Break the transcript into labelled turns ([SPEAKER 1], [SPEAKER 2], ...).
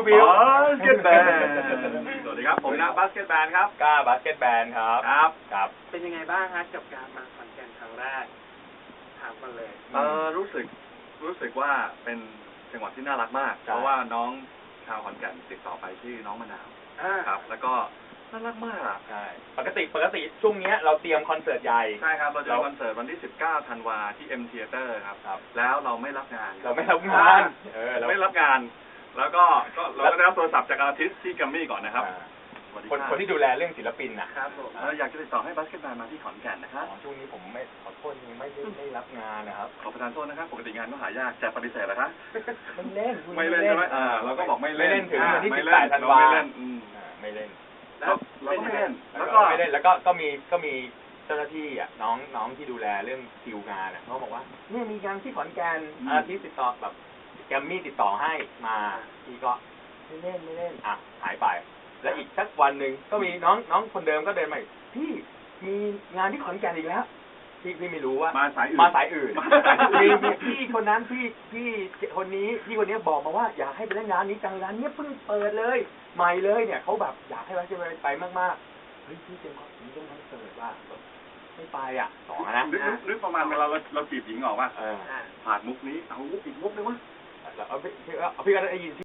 [SPEAKER 1] วิว
[SPEAKER 2] บาสเกตแบนสวัสดีครับผมนะบาสเกตแบนครับ
[SPEAKER 1] ก้าบาสเกตแบนครับ
[SPEAKER 2] ครับ
[SPEAKER 3] เป็นยังไงบ้างฮะกับการมาขอนแก่นครั้งแรกถามกันเลย
[SPEAKER 2] รู้สึกว่าเป็นจังหวัดที่น่ารักมาก
[SPEAKER 1] ใช่
[SPEAKER 2] เพราะว่าน้องชาวขอนแก่นติดต่อไปชื่อน้องมะนาวครับ แล้วก็น่ารักมาก
[SPEAKER 1] ใช่ปกติช่วงเนี้ยเราเตรียมคอนเสิร์ตใหญ่
[SPEAKER 2] ใช่ครับเราจะมีคอนเสิร์ตวันที่ 19 ธันวาที่ M Theater ครับ แล้วเราไม่รับงาน
[SPEAKER 1] เราไม่รับงานเรา
[SPEAKER 2] ไม่รับงาน แล้วก็เราก็ได้รับโทรศัพท์จากอาร์ติสต์ที่แกรมมี่ก่อนนะครับ
[SPEAKER 1] คนที่ดูแลเรื่องศิลปินนะครับ
[SPEAKER 3] ผม
[SPEAKER 2] อยากจะติดต่อให้บาสเกตบอลมาที่ขอนแก่นนะครับ
[SPEAKER 1] ช่วงนี้ผมไม่ขอโทษจริงไม่รับงานนะครับ
[SPEAKER 2] ขอประทานโทษนะครับ ปกติงานก็หายากแต่ปฏิเสธเหรอคะ
[SPEAKER 1] ไม่เล่น
[SPEAKER 2] ไม่เล่นใช่ไหมเราก็บอกไม่เล่น
[SPEAKER 1] ไม่เล่นถึงวันที่
[SPEAKER 2] ไม่
[SPEAKER 1] 18 ธันวา
[SPEAKER 2] ไม่เล่น
[SPEAKER 1] ไม่เล่น
[SPEAKER 2] เราก็ไม่เล่น
[SPEAKER 1] แล้วก็ไม่เล่นแล้วก็มีเจ้าหน้าที่อ่ะน้องที่ดูแลเรื่องคิวงานอ่ะเขาบอกว่าเนี่ยมีงานที่ขอนแก่นที่ติดต่อแบบแกมมี่ติดต่อให้มาพี่ก็ไม่เล่นอ่ะหายไปแล้วอีกสักวันหนึ่งก็มีน้องคนเดิมก็เดินมาอีกพี่มีงานที่ขอนแก่นอีกแล้วพี่ไม่รู้ว่า
[SPEAKER 2] มาสายอื่น
[SPEAKER 1] มีพี่คนนั้นพี่คนนี้บอกมาว่าอยากให้ไปเล่นงานนี้จังร้านนี้เพิ่งเปิดเลยใหม่เลยเนี่ยเขาแบบอยากให้ไปมากๆเฮ้ยพี่เป็นคอนเสิร์ตว่าไม่ไปอ่ะสองนะ
[SPEAKER 2] นึกประมาณเวลาเราจีบหญิงออกว่า
[SPEAKER 1] เออ
[SPEAKER 2] ผ่านมุกนี้เอามุกอีกมุกนึงวะ
[SPEAKER 1] แล้วพี่ก็ได้ยิน